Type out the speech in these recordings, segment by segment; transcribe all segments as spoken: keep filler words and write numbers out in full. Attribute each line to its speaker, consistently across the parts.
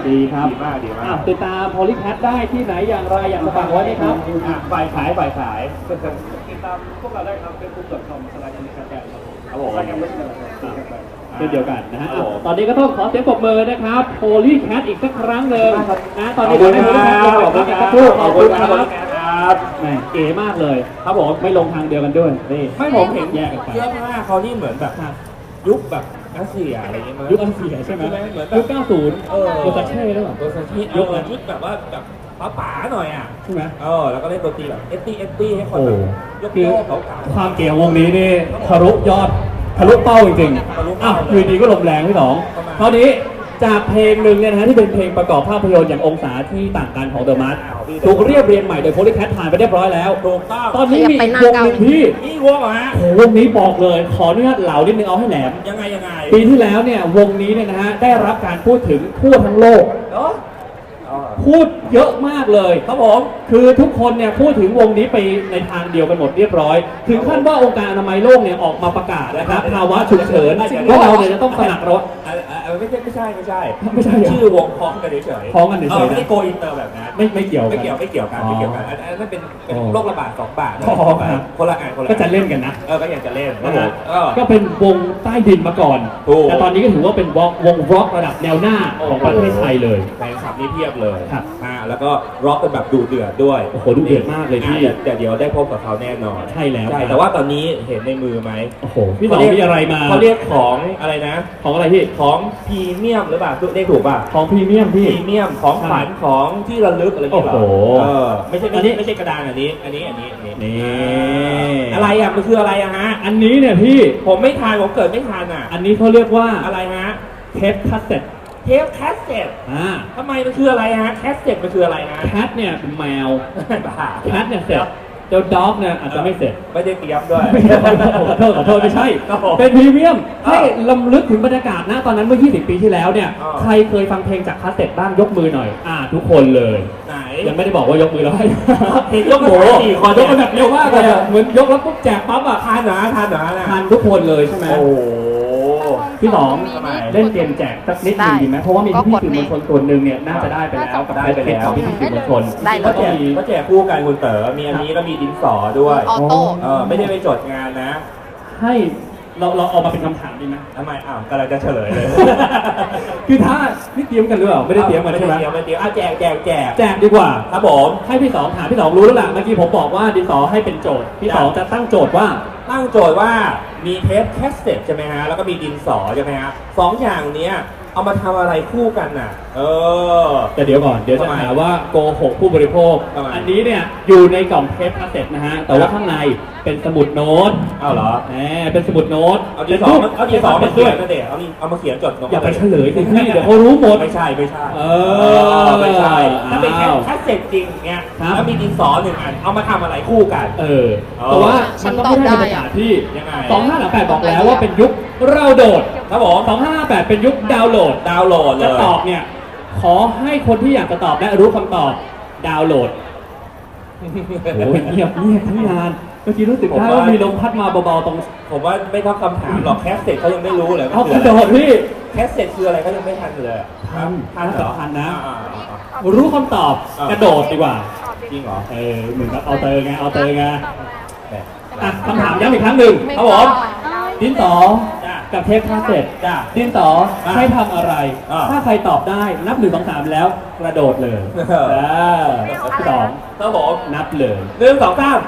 Speaker 1: ดีครับ
Speaker 2: ดีมากดีมาก
Speaker 1: ติดตามโพลีแคทได้ที่ไหนอย่างไรอย่างฝากไว้ไหมครับ
Speaker 2: ฝ่ายขายฝ่ายขาย
Speaker 3: ติดตามพวกเราได้ครับเป็นบุ๊กดอทคอมสไลด์นิคาแกนครับผม
Speaker 2: ครับผม
Speaker 3: รายการไม่ใช่อะไรครับ
Speaker 1: เช่นเดียวกันนะฮะตอนนี้ก็ต้องขอเสียงปรบมือนะครับโพลีแคทอีกสักครั้งหนึ่งนะตอนนี้ขอให้โพลีแคทขอบคุณครับขอบคุณครับแหมเก๋มากเลยครับผมไม่ลงทางเดียวกันด้วยนี่
Speaker 2: ไม่ผมเห็น
Speaker 1: แยกกันไป
Speaker 2: เสื้อผ้าเขานี่เหมือนแบบยุคแบบรัสเซียอะไรอย่างเงี้ยมั้ย
Speaker 1: ยุคอันเสียใช่ไหม
Speaker 2: เหมือนแบบ
Speaker 1: ยุคเก้าสิบ
Speaker 2: เออ
Speaker 1: โดซาเช่หรือเปล่า
Speaker 2: โดซาเช่ยุคชุดแบบว่าแบบป๋าๆหน่อยอ่ะ
Speaker 1: ใช่ไหม
Speaker 2: เออแล้วก็เล่นดนตรีแบบเอสตี้เอสตี้ให้คนแบบยก
Speaker 1: คือ
Speaker 2: โยกเขาเก่า
Speaker 1: ความเก๋วงนี้นี่ทะลุยอดทะลุเป้าจริงๆอ้าวคืนนี้ก็ลมแรงพี่สองคราวนี้จากเพลงหนึ่งเนี่ยนะฮะที่เป็นเพลงประกอบภาพยนตร์อย่างองศาที่ต่างกันของเดอะมัสถูกเรียบเรียงใหม่โดยโพลีแคทผ่านไปเรียบร้อยแล้ว
Speaker 2: ถูกต้อง
Speaker 1: ตอนนี้มีวงหนึ่งที่
Speaker 2: นี่วงเหรอฮะ
Speaker 1: โอ้โหวงนี้บอกเลยขออนุญาตเหลานิดนึงเอาให้แหลม
Speaker 2: ยังไงยังไง
Speaker 1: ปีที่แล้วเนี่ยวงนี้เนี่ยนะฮะได้รับการพูดถึงทั่วทั้งโลก
Speaker 2: เนาะ
Speaker 1: พูดเยอะมากเลยครับผมคือทุกคนเนี่ยพูดถึงวงนี้ไปในทางเดียวกันหมดเรียบร้อย ถึงขั้นว่าองค์การอนามัยโลกเนี่ยออกมาประกาศนะครับภาวะฉุกเฉินว่าเราเนี่ยจะต้องสนักรถ
Speaker 2: ไม่ใช่ไม่ใช่ไม่ใช่
Speaker 1: ไม่ใช่
Speaker 2: ชื่อวงพ้องกันเฉยๆ
Speaker 1: พ้องกันเฉยๆ
Speaker 2: ไม่ได้โกอินเตอร์แบบนั้น
Speaker 1: ไม่ไม่เกี่ยว
Speaker 2: ไม่เกี่ยวไม่เกี่ยวกันไม่เกี่ยวกันอันนั้นเป็นเป็นโรคระบาดสองบาทคนละอันคนละ
Speaker 1: ก็จะเล่นกันนะ
Speaker 2: เออก็อยากจะเล่น
Speaker 1: นะ
Speaker 2: นะ
Speaker 1: ฮะ
Speaker 2: ฮะ
Speaker 1: ก็เป็นวงใต้ดินมาก่อนแต่ตอนนี้ก็ถือว่าเป็นวงวงร็อกระดับแนวหน้าของประเทศไทยเลย
Speaker 2: แฟนคลับนี่เพียบเลย
Speaker 1: ครับ
Speaker 2: อ่าแล้วก็ร็อกกันแบบดูเดือดด้วย
Speaker 1: โอ้โหดูเดือดมากเลยพี่
Speaker 2: แต่เดี๋ยวได้พบกับเขาแน่นอน
Speaker 1: ใช่แล้ว
Speaker 2: ใช่แต่ว่าตอนนี้เห็นในมือไหม
Speaker 1: โอ้โหพี่สองมีอะไรมา
Speaker 2: เขาเรียกของอะไรนะ
Speaker 1: ของอะไรพี่
Speaker 2: ของพรีเมียมหรือเปล่าเรียกถูกป่ะ
Speaker 1: ของพรีเมียม
Speaker 2: พ
Speaker 1: พี่
Speaker 2: รีเมียมของขวัญของที่ระลึกอะไรอย่างเงี้ยเหรอ
Speaker 1: โอ้โห
Speaker 2: เออไม่ใช่ไม่ใช่ไม่ใช่กระดานอันนี้ อันนี้อันนี้อันนี้
Speaker 1: นี่
Speaker 2: อะไรอ่ะมันคืออะไรอะฮะ
Speaker 1: อันนี้เนี่ยพี่
Speaker 2: ผมไม่ทานผมเกิดไม่ทานอ่ะ
Speaker 1: อันนี้เขาเรียกว่า
Speaker 2: อะไรฮะ
Speaker 1: เทปคัสเซ็ต
Speaker 2: เทปแคสเซ็ต
Speaker 1: อ่า
Speaker 2: ทำไมมันคืออะไรฮะแคสเซ็ตมันคืออะไรฮะ
Speaker 1: แคทเนี่ยเป็นแมว
Speaker 2: บ้า
Speaker 1: แคทเนี่ยเสร็จเจ้าด็อกเนี่ยอาจจะไม่เสร็จ
Speaker 2: ไม่ได้เตรียมด้วย
Speaker 1: ขอโทษขอโทษไม่ใช่
Speaker 2: ครับผม
Speaker 1: เป็นพรีเมียม
Speaker 2: อ่า
Speaker 1: ให้ลำลึกถึงบรรยากาศนะตอนนั้นเมื่อ ยี่สิบ ปีที่แล้วเนี่ย
Speaker 2: อ่า
Speaker 1: ใครเคยฟังเพลงจากคาสเซ็ตบ้างยกมือหน่อย อ่า ทุกคนเลย
Speaker 2: ไหน
Speaker 1: ยังไม่ได้บอกว่ายกมือแล้วให้
Speaker 2: เห็นยกมือ
Speaker 1: โอ้โห
Speaker 2: สี่คน
Speaker 1: ยกกันแบบเร็วมากเลยอะเหมือนยกแล้วปุ๊บแจกปั๊บอ่ะ
Speaker 2: ทานหนาทานหนานะ
Speaker 1: ทานทุกคนเลยใช่ไหม
Speaker 2: โอ้โห
Speaker 1: พี่สอง
Speaker 2: ทำไม
Speaker 1: เล่นเกมแจกสักนิดหนึงดีไหมเพราะว่ามีพี่ๆสื่อมวลชนส่วนหนึ่งเนี่ยน่าจะได้ไปแล้วกับ
Speaker 2: ได้ไปแล้ว
Speaker 1: ของพี่ๆสื่อมวลชน
Speaker 4: ได้เล
Speaker 2: ก็
Speaker 4: ย
Speaker 2: แจกก็แจกคู่กันคุณเต๋อมีอันนี้แล้วมีดินสอด้วย
Speaker 4: ออโต้
Speaker 2: เออไม่ได้ไปจดงานนะ
Speaker 1: ให้เราเราเอามาเป็นคำถามดีไหม
Speaker 2: ทำไมอ้าวกำลังจะเฉลยเลย
Speaker 1: คือถ้านี่เตรียมกันหรือเปล่าไม่ได้เตรียมกันใช่ไหม
Speaker 2: ไม่ได้เตรียมไม่ได้เตรียมอ่ะแจกแจกแจก
Speaker 1: แจกดีกว่า
Speaker 2: ครับผม
Speaker 1: ให้พี่สองถามพี่สองรู้แล้วล่ะเมื่อกี้ผมบอกว่าดินสอให้เป็นโจทย์พี่สองจะตั้งโจทย์ว่า
Speaker 2: ตั้งโจทย์ว่ามีเทปแคสเซ็ตใช่ไหมฮะแล้วก็มีดินสอใช่ไหมฮะสองอย่างเนี้ยเอามาทำอะไรคู่กันน่ะ เออ
Speaker 1: แต่เดี๋ยวก่อนเดี๋ยวจะ
Speaker 2: ทำไม
Speaker 1: หาว่าโกหกผู้บริโภค
Speaker 2: ทำไม
Speaker 1: อันนี้เนี่ยอยู่ในกล่องเทปคาสเซ็ตนะฮะแต่ว่าข้างในเป็นสมุดโน้ต
Speaker 2: เอาเหรอ
Speaker 1: แหมเป็นสมุดโน้ต
Speaker 2: เอาดินสอมาเอาดินสอมาเขียนกันเด็เอาดิเอามาเขียนจดลง
Speaker 1: อย่าไปเฉลยสิพี่เดี๋ยวเขารู้หมด
Speaker 2: ไม่ใช่ไม่ใช่
Speaker 1: เออ
Speaker 2: ไม่ใช่ถ้าเป็นแค่
Speaker 1: อ้าว
Speaker 2: แคสเซ็ตจริงเนี้ย
Speaker 1: ครับ
Speaker 2: แล้วมีดินสอหนึ่งอันเอามาทำอะไรคู่กัน
Speaker 1: เออแต่ว่ามันต้องไม่ได้บรรยากาศที่
Speaker 2: ยังไง
Speaker 1: สองห้าหลังแปดบอกแล้วว่าเป็นยุคเราโดด
Speaker 2: ครับผม
Speaker 1: สองห้าแปดเป็นยุคดาวน์โหลด
Speaker 2: ดาวน์โหลดเล
Speaker 1: จะ
Speaker 2: ย
Speaker 1: ตอบเนี่ยขอให้คนที่อยากจะตอบและรู้คำตอบดาวน์โหลดโอ้ยเงียบเงียบทั้งงานเมื่อกี้รู้สึกได้ว่ามีลมพัดมาเบาๆตรง
Speaker 2: ผมว่าไม่ต้องคำถามหรอกแคสเซ็ตเขายังไม่รู้เลย
Speaker 1: เอา
Speaker 2: ว่าก
Speaker 1: ระ
Speaker 2: คือ
Speaker 1: โด
Speaker 2: อะไร
Speaker 1: ดพี่
Speaker 2: แคสเซ็ตคืออะไรเขายังไม่ทันเลยอะ
Speaker 1: ทัน
Speaker 2: ทันเหรอ
Speaker 1: ทันนะ
Speaker 2: อ่าอ่าอ่า
Speaker 1: รู้คำตอบ
Speaker 2: อ่าก
Speaker 1: กระโดดดีกว่า
Speaker 2: จริงเหรอ
Speaker 1: เออเหมือนกับเอาเตอร์ไงเอาเตอร์ไง
Speaker 2: แหม
Speaker 1: อ่ะคำถามย้ำอีกครั้งหนึ่ง
Speaker 4: ไม่
Speaker 1: ครับผม ดินสอ
Speaker 2: จ้ะ
Speaker 1: กับเทปคาสเซ็ต
Speaker 2: จ้ะ
Speaker 1: ดินสอ
Speaker 2: อ่ะ
Speaker 1: ใช้ทำอะไร
Speaker 2: อ่ะ
Speaker 1: ถ้าใครตอบได้นับหนึ่งสองสามแล้วกระโดดเลย
Speaker 2: เออ
Speaker 1: เออพี่สอง
Speaker 2: ครับผม
Speaker 1: นับเลย
Speaker 2: หนึ่งสองสาม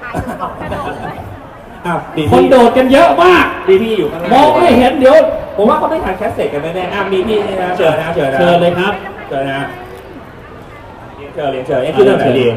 Speaker 2: อ้าวดี
Speaker 1: คน
Speaker 2: พี่
Speaker 1: โดดกันเยอะมาก
Speaker 2: ดีพี่อยู่ข้างหน้าม
Speaker 1: องไม่เห็นเดี๋ยว
Speaker 2: ผมว่าเขาไม่ทันแคสเซ็ตกันแน่ๆอ่ะมีพี่นี่นะเชิญนะเชิญนะ
Speaker 1: เชิญเลยครับ
Speaker 2: เชิญนะเรียนเชิญเรียนเชิญเอ๊ะคือเรื่องไหนดี